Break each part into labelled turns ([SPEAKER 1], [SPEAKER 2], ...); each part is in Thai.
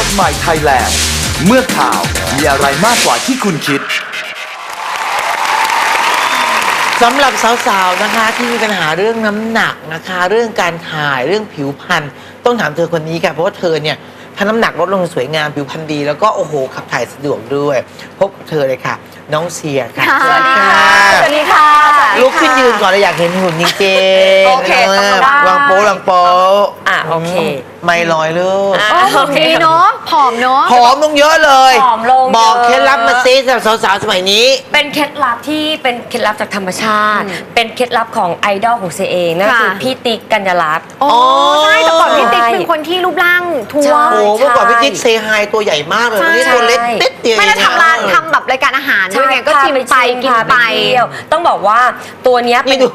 [SPEAKER 1] ใหม่ไทยแลนด์เมื่อข่าวมีอะไรมากกว่าที่คุณคิด
[SPEAKER 2] สำหรับสาวๆนะคะที่มีปัญหาเรื่องน้ำหนักนะคะเรื่องการถ่ายเรื่องผิวพรรณต้องถามเธอคนนี้ค่ะเพราะว่าเธอเนี่ยถ้าน้ำหนักลดลงสวยงามผิวพรรณดีแล้วก็โอ้โหขับถ่ายสะดวกด้วยพบกับเธอเลยค่ะน้องเชียร์ค่ะ
[SPEAKER 3] สวัสดีค่ะสวัสดีค่ะ
[SPEAKER 2] ลุกขึ้นยืนก่อนเลยอยากเห็นหุ่นจริงๆ
[SPEAKER 3] โอเค
[SPEAKER 2] ลองโป๊ลองโป๊
[SPEAKER 3] โอเค
[SPEAKER 2] ไม่ลอยลูก
[SPEAKER 3] โอเคเนาะผอมเนาะ
[SPEAKER 2] ผอมลงเยอะเลย
[SPEAKER 3] ผอมลง
[SPEAKER 2] บอกเคล็ดลับมาซิสำหรับสาวๆสมัยนี้
[SPEAKER 4] เป็นเคล็ดลับที่เป็นเคล็ดลับจากธรรมชาติเป็นเคล็ดลับของไอดอลของเซเองนั่นคือพี่ติ๊กกัญญาลัตน์
[SPEAKER 3] อ๋อใช่แต่ก่อนพี่ติ๊กเป็นคนที่รูปร่างท้วม
[SPEAKER 2] โอ้เมื่อก่อนพี่ติ๊กเซฮายตัวใหญ่มากเลยวันนี้ตัวเล็กเต็ดเดียว
[SPEAKER 3] ไม่ได้ทำแบบรายการอาหารด้วยไงก็ชิมไปกินไป
[SPEAKER 4] ต้องบอกว่าตัวนี้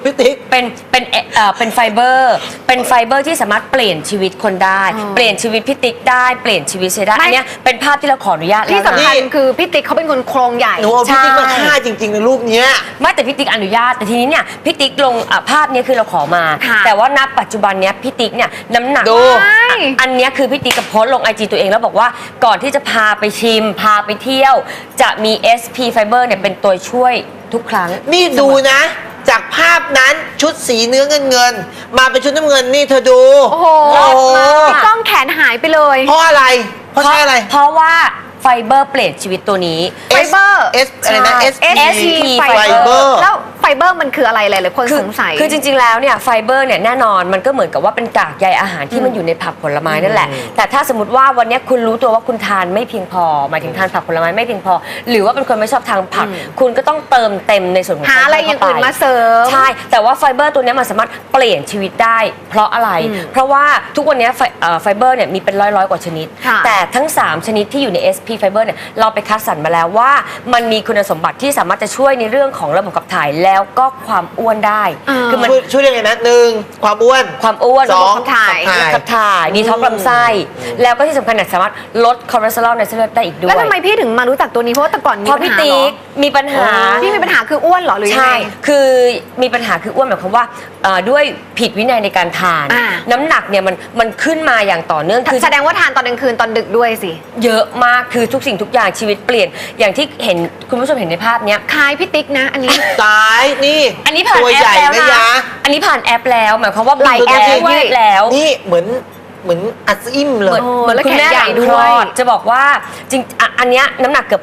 [SPEAKER 4] เป็นไฟเบอร์ที่สามารถเปลี่ยนชีวิตคนได้เปลี่ยนชีวิตพี่ติ๊กได้เปลี่ยนชีวิตเซได้อันนี้เป็นภาพที่เราขออนุญาต
[SPEAKER 3] ที่สำคัญคือพี่ติ๊กเขาเป็นคนโครงใหญ่
[SPEAKER 2] หนูเอาพี่ติ๊กมาฆ่าจริงๆในรูปนี้
[SPEAKER 4] ไม่แต่พี่ติ๊กอนุญาตแต่ทีนี้เนี่ยพี่ติ๊กลงภาพนี้คือเราขอมาแต่ว่าณปัจจุบันเนี้ยพี่ติ๊กเนี่ยน้ำหนักอันนี้คือพี่ติ๊กกับโพสต์ลง IG ตัวเองแล้วบอกว่าก่อนที่จะพาไปชิมพาไปเที่ยวจะมี SP Fiber เนี่ยเป็นตัวช่วยทุกครั้ง
[SPEAKER 2] นี่ดูนะจากภาพนั้นชุดสีเนื้อเงินมาเป็นชุดน้ำเงินนี่เธอดู
[SPEAKER 3] โอ้โหพี่ก้องแขนหายไปเลย
[SPEAKER 2] เพราะอะไรเพราะใช่อะไร
[SPEAKER 4] เพราะว่าไฟเบอร์เปลี่ยนชีวิตตัวนี้
[SPEAKER 3] ไฟเบอร์
[SPEAKER 2] S อะไรนะ
[SPEAKER 3] SP ไฟเบอร์แล้วไฟเบอร์มันคืออะไรหลายๆคนสงสัย
[SPEAKER 4] คือจริงๆแล้วเนี่ยไฟเบอร์เนี่ยแน่นอนมันก็เหมือนกับว่าเป็นกากใยอาหารที่มันอยู่ในผักผลไม้นั่นแหละแต่ถ้าสมมติว่าวันนี้คุณรู้ตัวว่าคุณทานไม่เพียงพอหมายถึงทานผักผลไม้ไม่เพียงพอหรือว่าเป็นคนไม่ชอบทานผักคุณก็ต้องเติมเต็มในส่วนของ
[SPEAKER 3] หาอะไรอย่างอื่นมาเสริม
[SPEAKER 4] ใช่แต่ว่าไฟเบอร์ตัวนี้มันสามารถเปลี่ยนชีวิตได้เพราะอะไรเพราะว่าทุกวันนี้ไฟเบอร์เนี่ยมีเป็นร้อยกว่าชนิดแต่ทั้ง3ชนิดที่อยู่ใน SP Fiber เนี่ยเราไปคัดสรรมาแล้วว่ามันมีคุณสมบัติที่สามารถจะช่วยในเรื่องของระบบขับถ่ายแล้วก็ความอ้วนได้
[SPEAKER 2] คือมันช่วยยังไงนะ1ความอ้วน
[SPEAKER 4] ระบบขับถ่ายดีท็อกซ์ลำไส้แล้วก็ที่สำคัญเนี่ยสามารถลดคอเลสเตอรอลในเส้นเลือดได้อีกด้วย
[SPEAKER 3] แล้วทำไมพี่ถึงมารู้จักตัวนี้เพราะว่าแต่ก่อนมีปัญหา
[SPEAKER 4] มีปัญหา
[SPEAKER 3] พี่มีปัญหาคืออ้วนเหรอหรือยังไง
[SPEAKER 4] คือมีปัญหาคืออ้วนหมายความว่าด้วยผิดวินัยในการทานน้ำหนักเนี่ยมันขึ้นมาอย่างต่อเนื่อง
[SPEAKER 3] คือแสดงว่าทานตอนกลางคืนตอนดึกด้วยสิ
[SPEAKER 4] เยอะมากคือทุกสิ่งทุกอย่างชีวิตเปลี่ยนอย่างที่เห็นคุณผู้ชมเห็นในภาพเนี้ย
[SPEAKER 3] คล้ายพี่ติ๊กนะอันนี้
[SPEAKER 2] ตายนี่
[SPEAKER 4] อันนี้ผ่านแอปแล้วนะอันนี้ผ่านแอปแล้วหมายความว่า
[SPEAKER 3] ไหลแอป
[SPEAKER 4] ยืดแล้ว
[SPEAKER 2] นี่เหมือนอัดอิ่มเลย
[SPEAKER 4] เหมือนคุณแม่ใหญ่ด้วยจะบอกว่าจริงอันเนี้ยน้ำหนักเกือบ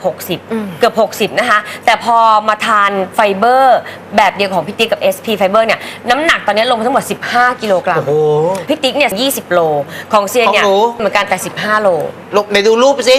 [SPEAKER 4] 60นะคะแต่พอมาทานไฟเบอร์แบบเดียวของพี่ติ๊กกับ SP Fiber เนี่ยน้ำหนักตอนนี้ลงมาทั้งหมด15 กิโลกรัมพี่ติ๊กเนี่ย20 โลของเซียนเนี่ยเหมือนกันแต่15 โล
[SPEAKER 2] ไหนดูรูปสิ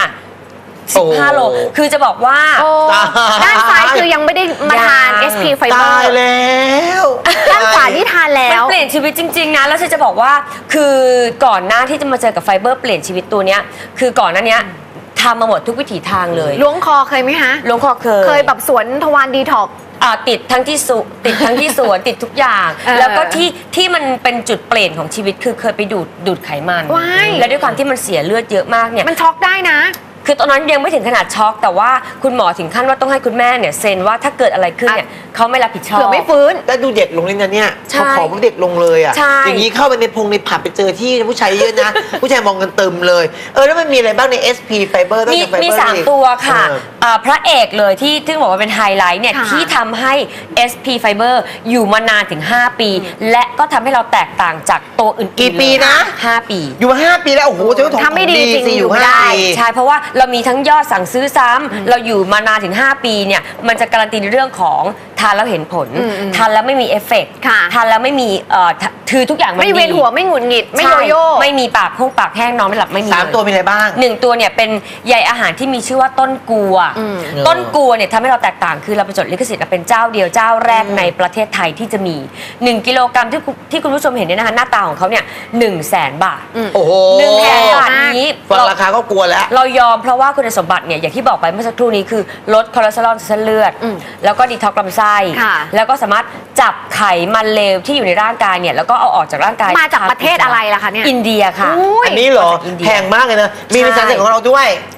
[SPEAKER 4] 15 โลคือจะบอกว่า
[SPEAKER 3] ด้านซ้ายคือยังไม่ได้มาทาน SP Fiber
[SPEAKER 2] ตายแล้ว
[SPEAKER 3] ด้านขวาที่ทานแล้ว
[SPEAKER 4] มันเปลี่ยนชีวิตจริงๆนะแล้วจะบอกว่าคือก่อนหน้าที่จะมาเจอกับไฟเบอร์เปลี่ยนชีวิตตัวเนี้ยคือก่อนหน้านี้ทำมาหมดทุกวิถีทางเลย
[SPEAKER 3] ล้วงคอเคยไหมฮะ
[SPEAKER 4] ล้วงคอเค
[SPEAKER 3] ยแบบสวนทวารดีท็อก
[SPEAKER 4] ติดทั้งที่สวนติดทุกอย่างแล้วก็ที่มันเป็นจุดเปลี่ยนของชีวิตคือเคยไปดูดไขมันและด้วยความที่มันเสียเลือดเยอะมากเนี่ย
[SPEAKER 3] มันช็อกได้นะ
[SPEAKER 4] คือตอนนั้นยังไม่ถึงขนาดช็อกแต่ว่าคุณหมอถึงขั้นว่าต้องให้คุณแม่เนี่ยเซ็นว่าถ้าเกิดอะไรขึ้นเนี่ยเขาไม่รับผิดชอบ
[SPEAKER 3] เผื่อไม่ฟื้น
[SPEAKER 2] แล้วดูเด็กลงเลยนะเนี่ยเขาขอพวกเด็กลงเลยอ่ะอย่างนี้เข้าไปในผับไปเจอที่ผู้ชายเยอะนะผู้ชายมองกันเติมเลยแล้วมันมีอะไรบ้างใน SP Fiber
[SPEAKER 4] มี3 ตัวค่ะพระเอกเลยที่บอกว่าเป็นไฮไลท์เนี่ยที่ทำให้ SP Fiber อยู่มานานถึง5 ปีและก็ทำให้เราแตกต่างจากตัวอื่น
[SPEAKER 2] กี่ปีนะ
[SPEAKER 4] 5 ปี
[SPEAKER 2] อยู่มา5 ปีแล้วโอ้โหจะต้อง
[SPEAKER 3] ทำไม่ดีจริง
[SPEAKER 2] อยู่
[SPEAKER 4] ได้ใช่เพราะว่าเรามีทั้งยอดสั่งซื้อซ้ำเราอยู่มานานถึง5 ปีเนี่ยมันจะการันตีในเรื่องของทานแล้วเห็นผลทานแล้วไม่มีเอฟเฟกต์ทานแล้วไม่มีคือทุกอย่าง
[SPEAKER 3] ไม่เวียนหัวไม่หงุดหงิดไม่โยโย่
[SPEAKER 4] ไม่มีปากแห้งนอนไม่หลับไม่มี
[SPEAKER 2] 3 ตัวมีอะไรบ้าง
[SPEAKER 4] 1 ตัวเนี่ยเป็นใยอาหารที่มีชื่อว่าต้นกัวเนี่ยทำให้เราแตกต่างคือเราไปจดลิขสิทธิ์เป็นเจ้าเดียวเจ้าแรกในประเทศไทยที่จะมี1 กิโลกรัมที่คุณผู้ชมเห็นเนี่ยนะคะหน้าตาของเขาเนี่ย100,000 บาท
[SPEAKER 2] โอ้โห
[SPEAKER 4] 100,000 บาทนี้
[SPEAKER 2] ฟังราคาก็กลัวแล้ว
[SPEAKER 4] เรายอมเพราะว่าคุณสมบัติเนี่ยอย่างที่บอกไปเมื่อสักครู่นี้คือลดคอเลสเตอรอลในเส้นเลือดแล้วก็ดีท็อกซ์ลำไส้แล้วก็สามารถจับไขมันเลวที่อยู่ในร่างกายเนี่ยแล้วก็เอาออกจากร่างกาย
[SPEAKER 3] มาจากประเทศอะไรล่ะคะเนี่ย
[SPEAKER 4] อินเดียค่ะ
[SPEAKER 2] อันนี้เหรอแพงมากเลยนะมีในสารเสพของเราด้วย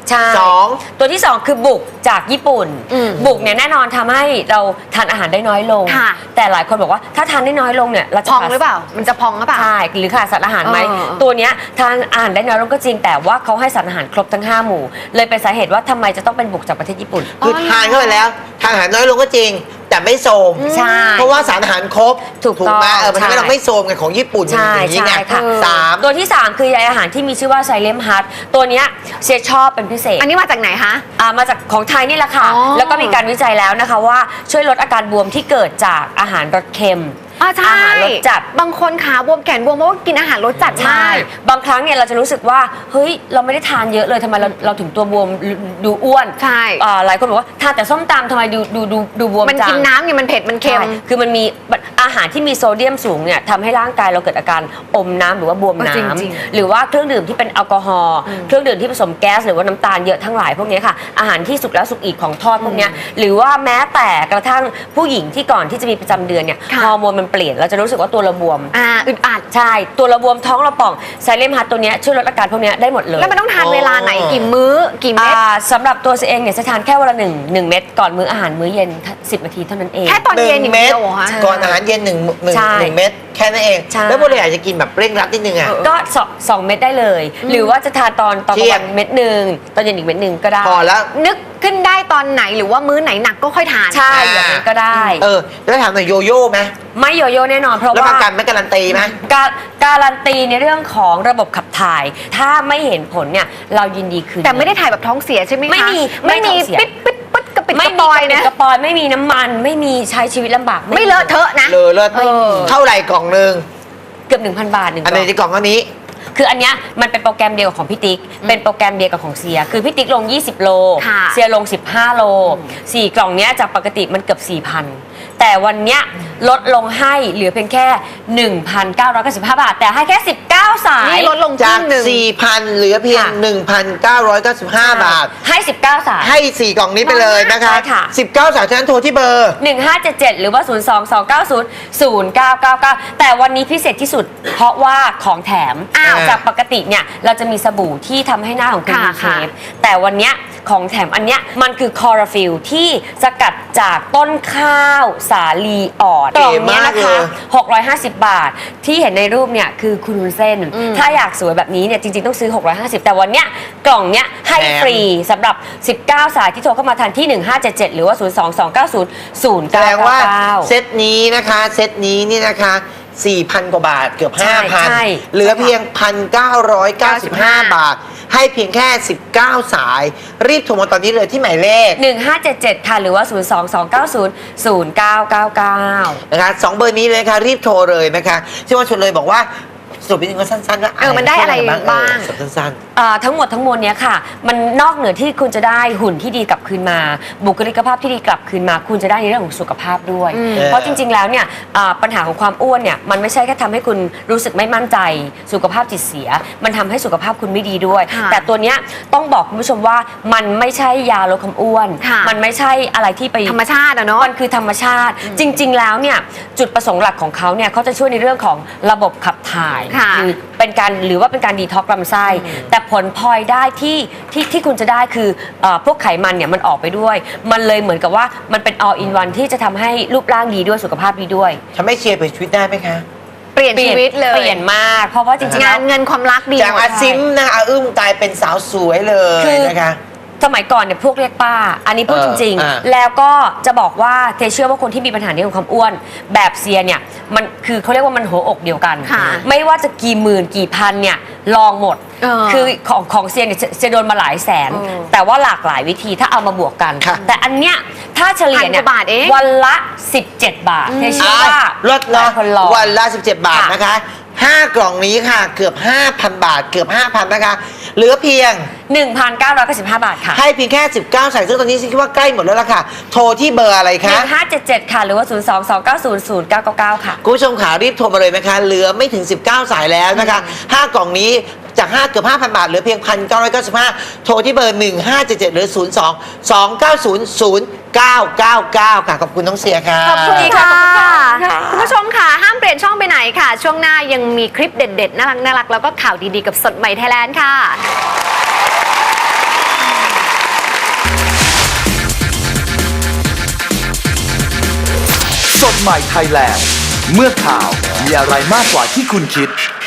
[SPEAKER 4] ใช่
[SPEAKER 2] สอง
[SPEAKER 4] ตัวที่ 2 คือบุกจากญี่ปุ่น บุกเนี่ยแน่นอนทำให้เราทานอาหารได้น้อยลง
[SPEAKER 3] ค่ะ
[SPEAKER 4] แต่หลายคนบอกว่าถ้าทานได้น้อยลงเนี่ยเราจะ
[SPEAKER 3] พองหรือเปล่า มันจะพองหรือเปล่า
[SPEAKER 4] ใช่หรือขาดสารอาหารไหม
[SPEAKER 3] เออ
[SPEAKER 4] ตัวเนี้ยทานอาหารได้น้อยลงก็จริงแต่ว่าเขาให้สารอาหารครบทั้ง 5 หมู่ เลยเป็นสาเหตุว่าทำไมจะต้องเป็นบุกจากประเทศญี่ปุ่น
[SPEAKER 2] คือทานเข้าไปแล้วทานอาหารน้อยลงก็จริง แต่ไม่โทรม
[SPEAKER 4] ใช่
[SPEAKER 2] เพราะว่าสารอาหารครบ
[SPEAKER 4] ถูก
[SPEAKER 2] ไหม
[SPEAKER 4] ต้อง
[SPEAKER 2] มันทำให้
[SPEAKER 4] ใช่
[SPEAKER 2] เราไม่โทรมไงของญี่ปุ่น
[SPEAKER 4] ใช่
[SPEAKER 2] อย่างนี้ไง
[SPEAKER 4] ใช่ค่ะ
[SPEAKER 2] สาม
[SPEAKER 4] ตัวที่ 3 คือใยอาหารที่มีชื่อว่าไซเลมฮัทตัวเนี้ยเชียร์ชอบเป็นพิเศษ
[SPEAKER 3] อันนี้มาจากไหนคะ
[SPEAKER 4] มาจากของไทยนี่แหละค่ะ
[SPEAKER 3] อ๋อ
[SPEAKER 4] แล้วก็มีการวิจัยแล้วนะคะว่าช่วยลดอาการบวมที่เกิดจากอาหารรสเค็ม
[SPEAKER 3] ใช่
[SPEAKER 4] อาหารรสจัด
[SPEAKER 3] บางคนขาบวมแขนบวมเพราะว่ากินอาหารรสจัด
[SPEAKER 4] ใช่
[SPEAKER 3] มาก
[SPEAKER 4] บางครั้งเนี่ยเราจะรู้สึกว่าเฮ้ยเราไม่ได้ทานเยอะเลยทำไมเราถึงตัวบวมดูอ้วน
[SPEAKER 3] ใช่
[SPEAKER 4] หลายคนบอกว่าทานแต่ส้มตำทำไมดูบวม
[SPEAKER 3] มัน
[SPEAKER 4] จัง
[SPEAKER 3] กินน้ำเนี่ยมันเผ็ดมันเค็ม
[SPEAKER 4] ใช่คือมันมีอาหารที่มีโซเดียมสูงเนี่ยทำให้ร่างกายเราเกิดอาการอมน้ำหรือว่าบวมน้
[SPEAKER 3] จริง
[SPEAKER 4] ำหรือว่าเครื่องดื่มที่เป็นแอลกอฮอล์เครื่องดื่มที่ผสมแก๊สหรือว่าน้ำตาลเยอะทั้งหลายพวกนี้ค่ะอาหารที่สุกแล้วสุกอีกของทอดพวกเนี้ยหรือว่าแม้แต่กระทั่งผู้หญิงที่ก่อนที่จะมีประจำเดือนเนี่ย
[SPEAKER 3] ค่ะ
[SPEAKER 4] ฮอร์โมนมันเปลี่ยนเราจะรู้สึกว่าตัวเราบวม
[SPEAKER 3] อึดอัด
[SPEAKER 4] ใช่ตัวเราบวมท้องเราป่องไซเลมฮัทตัวเนี้ยช่วยลดอาการพวกเนี้ยได้หมดเลย
[SPEAKER 3] แล้วมันต้องทานเวลาไหนกี่มื้อกี่เม็ด
[SPEAKER 4] สำหรับตัวเองเนี่ยจะทานแค่วันละ1 เม็ดก่อนมื้ออาหารมื้อเย็น10 นาทีเท่านั้นเอง
[SPEAKER 3] แค่ตอนเย็นอย่าง
[SPEAKER 2] เม็
[SPEAKER 3] เดี
[SPEAKER 2] ด
[SPEAKER 3] ยวเหรอคะ
[SPEAKER 2] ก่อนอาหารเย็นหนึ่ง
[SPEAKER 4] ใช่
[SPEAKER 2] เม็ดแค่นั้นเอง
[SPEAKER 4] ใช่
[SPEAKER 2] แล้วพวกเราอยากจะกินแบบเร่งรัดนิดนึงอ่ะ
[SPEAKER 4] ก็2 เม็ดได้เลย หรือว่าจะทานตอนกลาง
[SPEAKER 2] เที่ย
[SPEAKER 4] วั
[SPEAKER 2] ง
[SPEAKER 4] นเม็ดหนึ่งตอนเย็นอีกเม็ดหนึ่งก็ได้
[SPEAKER 2] พอแล้ว
[SPEAKER 3] นึกขึ้นได้ตอนไหนหรือว่ามื้อไหนหนักก็ค่อยทาน
[SPEAKER 4] ใช่อย่างนั้นก็ได้
[SPEAKER 2] แล้วถามหน่อยโยโย่ไหม
[SPEAKER 4] ไม่โยโย่แน่นอนเพราะ
[SPEAKER 2] แล้วป
[SPEAKER 4] ว่า
[SPEAKER 2] ระกันไม่การันตีไหม
[SPEAKER 4] การันตีในเรื่องของระบบขับถ่าย ถ้าไม่เห็นผลเนี่ยเรายินดีคืน
[SPEAKER 3] แต่ไม่ได้ถ่ายแบบท้องเสียใช่ไหมคะ
[SPEAKER 4] ไม่มี
[SPEAKER 3] ไม่มี
[SPEAKER 4] ไม่ท้องเสีย
[SPEAKER 3] ปิดปิดปิดกระปิด
[SPEAKER 4] ไม่
[SPEAKER 3] กระ
[SPEAKER 4] มี
[SPEAKER 3] ปอย
[SPEAKER 4] กระปิด
[SPEAKER 3] นะ
[SPEAKER 4] กระปอยไม่มีน้ำมันไม่มีใช้ชีวิตลำบาก
[SPEAKER 3] ไม่เลอะเทอะนะ
[SPEAKER 2] เลอเลิศ
[SPEAKER 3] เออ
[SPEAKER 2] เท่าไหร่กล่องหนึ่ง
[SPEAKER 4] เกือบ 1,000 บาทหนึ่ง
[SPEAKER 2] อัน
[SPEAKER 4] กล่
[SPEAKER 2] นี้
[SPEAKER 4] อง
[SPEAKER 2] ในกล่องอันนี้
[SPEAKER 4] คืออันเนี้ยมันเป็นโปรแกรมเดียวกับของพี่ติ๊ก เป็นโปรแกรมเดียวกับของเซีย คือพี่ติ๊กลง 20 โล
[SPEAKER 3] ค่ะ
[SPEAKER 4] เซียลง 15 โล 4 กล่องเนี้ยจากปกติมันเกือบ 4,000 แต่วันเนี้ยลดลงให้เหลือเพียงแค่ 1,995 บาท แต่ให้แค่ 19 สาย
[SPEAKER 3] นี่ลดลงค
[SPEAKER 2] จาก
[SPEAKER 3] รึ่งหนึ่ง
[SPEAKER 2] 4,000 เหลือเพียง
[SPEAKER 4] ค่ะ
[SPEAKER 2] 1,995 บาท
[SPEAKER 4] ให้ 19 สาย
[SPEAKER 2] ให้ 4 กล่องนี้ไปเลยนะคะ
[SPEAKER 4] ใช่ค่ะ
[SPEAKER 2] 19 สายฉะนั้นโทรที่เบอร์
[SPEAKER 4] 1577 หรือว่า 022900999 แต่วันนี้พิเศษที่สุด เพราะว่าของแถม
[SPEAKER 3] อ้าว
[SPEAKER 4] จากปกติเนี่ยเราจะมีสบู่ที่ทำให้หน้าของคุณ
[SPEAKER 3] ค่ะ
[SPEAKER 4] มีเช
[SPEAKER 3] ค่ะ
[SPEAKER 4] ฟแต่วันเนี้ยของแถมอันเนี้ยมันคือคอราฟิลที่สกัดจากต้นข้าวสาลีอ่อนกล่องเนี้ยนะคะ 650 บาท ที่เห็นในรูปเนี่ยคือคุณวุ้นเส้น ถ้าอยากสวยแบบนี้เนี่ยจริงๆต้องซื้อ 650 แต่วันเนี้ยกล่องเนี้ยให้
[SPEAKER 2] แถม
[SPEAKER 4] ฟรีสำหรับ 19 สายที่โทรเข้ามาทันที่ 1577 หรือว่า 022900999
[SPEAKER 2] แสดงว่าเซตนี้นะคะ เซตนี้นี่นะคะ 4,000 กว่าบาทเกือบ
[SPEAKER 4] ใช่
[SPEAKER 2] 5,000 เหลือเพียง 1,995 บาท ให้เพียงแค่ 19 สาย รีบโทรมาตอนนี้เลยที่หมายเลข
[SPEAKER 4] 1577 ค่ะ หรือว่า 022900999
[SPEAKER 2] นะคะสองเบอร์นี้เลยค่ะรีบโทรเลยนะคะชื่อว่าชวนเลยบอกว่าสรุปนิดนึงก็สั้นๆว่า
[SPEAKER 3] มันได้อะไรบ้าง
[SPEAKER 2] สรุปสั้น
[SPEAKER 4] ทั้งหมดทั้งมวลเนี้ยค่ะ มันนอกเหนือที่คุณจะได้หุ่นที่ดีกลับคืนมา บุคลิกภาพที่ดีกลับคืนมา คุณจะได้ในเรื่องของสุขภาพด้วย เพราะจริงๆแล้วเนี่ยปัญหาของความอ้วนเนี่ยมันไม่ใช่แค่ทำให้คุณรู้สึกไม่มั่นใจสุขภาพจิตเสีย มันทำให้สุขภาพคุณไม่ดีด้วย
[SPEAKER 3] ค่ะ
[SPEAKER 4] แต่ตัวเนี้ยต้องบอกคุณผู้ชมว่ามันไม่ใช่ยาลดความอ้วน
[SPEAKER 3] ค่ะ
[SPEAKER 4] มันไม่ใช่อะไรที่ไป
[SPEAKER 3] ธรรมชาติอะเนาะ
[SPEAKER 4] มันคือธรรมชาติ จริง ๆ แล้วเนี่ยจุดประสงค์หลักของเขาเนี่ยเขาจะช่วยในเรื่องของระบบขับถ่าย
[SPEAKER 3] ค่ะ
[SPEAKER 4] หรือว่าเป็นการดีท็อกซ์ลำไส้แต่ผลพลอยได้ที่คุณจะได้คือพวกไขมันเนี่ยมันออกไปด้วย มันเลยเหมือนกับว่ามันเป็น all in one ที่จะทำให้รูปร่างดีด้วยสุขภาพดีด้วย
[SPEAKER 2] ๆทำให้เชียร์ไปชีวิตได้ไหมคะ
[SPEAKER 3] เปลี่ยนชีวิตเลย
[SPEAKER 4] เปลี่ยนมาก เพราะว่าจริงๆ
[SPEAKER 3] งา
[SPEAKER 4] แล้
[SPEAKER 3] น
[SPEAKER 4] ว
[SPEAKER 3] เงินความรักดี
[SPEAKER 2] จากอาซิมนะคะอาอึ้มกลายเป็นสาวสวยเลย
[SPEAKER 4] คือ
[SPEAKER 2] นะคะ
[SPEAKER 4] สมัยก่อนเนี่ยพวกเรียกป้า อันนี้พูดจริง
[SPEAKER 2] อ่า
[SPEAKER 4] ๆ แล้วก็จะบอกว่าเทเชื่อว่าคนที่มีปัญหาในเรื่องของความอ้วน แบบเซียเนี่ยมันคือเขาเรียกว่ามันหัวอกเดียวกัน
[SPEAKER 3] ค่ะ
[SPEAKER 4] ไม่ว่าจะกี่หมื่นกี่พันเนี่ยลองหมด
[SPEAKER 3] เ
[SPEAKER 4] คือของเซียเนี่ยจะโดนมาหลายแสน
[SPEAKER 3] เออ
[SPEAKER 4] แต่ว่าหลากหลายวิธีถ้าเอามาบวกกัน
[SPEAKER 2] ค่ะ
[SPEAKER 4] แต่อันเนี้ยถ้าเฉลี่ยเนี่ย
[SPEAKER 3] 1,000 กว่าบาทเอง
[SPEAKER 4] วันละ 17 บาทเทเชื่อว่า
[SPEAKER 2] ลด
[SPEAKER 4] หลา
[SPEAKER 2] ละ
[SPEAKER 4] ยคนลอง
[SPEAKER 2] วันละ 17 บาท
[SPEAKER 4] ค่ะ
[SPEAKER 2] นะคะ 5 กล่องนี้ค่ะ เกือบ 5,000 บาท เกือบ 5,000 นะคะ เหลือเพียง
[SPEAKER 4] 1,995 บาทค่ะ
[SPEAKER 2] ให้เพียงแค่ 19 สายซึ่งตอนนี้คิดว่าใกล้หมดแล้วล่ะค่ะ โทรที่เบอร์อะไรคะ
[SPEAKER 4] 1577 ค่ะ หรือว่า 022900999 ค่ะ
[SPEAKER 2] คุณผู้ชมขารีบโทรมาเลยนะคะ เหลือไม่ถึง 19 สายแล้วนะคะ 5 กล่องนี้จาก เกือบ 5,000 บาท เหลือเพียง 1,995 โทรที่เบอร์ 1577 หรือ 02-290-0999 ค่ะ ขอบคุณน้องเสียค่ะ
[SPEAKER 3] ขอบคุณ
[SPEAKER 4] ค่ะ
[SPEAKER 3] ค่ะ
[SPEAKER 4] ขอบคุณค่ะ
[SPEAKER 3] คุณผู้ชมค่ะ ห้ามเปลี่ยนช่องไปไหนค่ะ ช่วงหน้ายังมีคลิปเด็ดๆ น่ารักๆ แล้วก็ข่าวดีๆ กับสดใหม่ไทยแลนด์ค่ะ
[SPEAKER 1] สดใหม่ไทยแลนด์เมื่อข่าวมีอะไรมากกว่าที่คุณคิด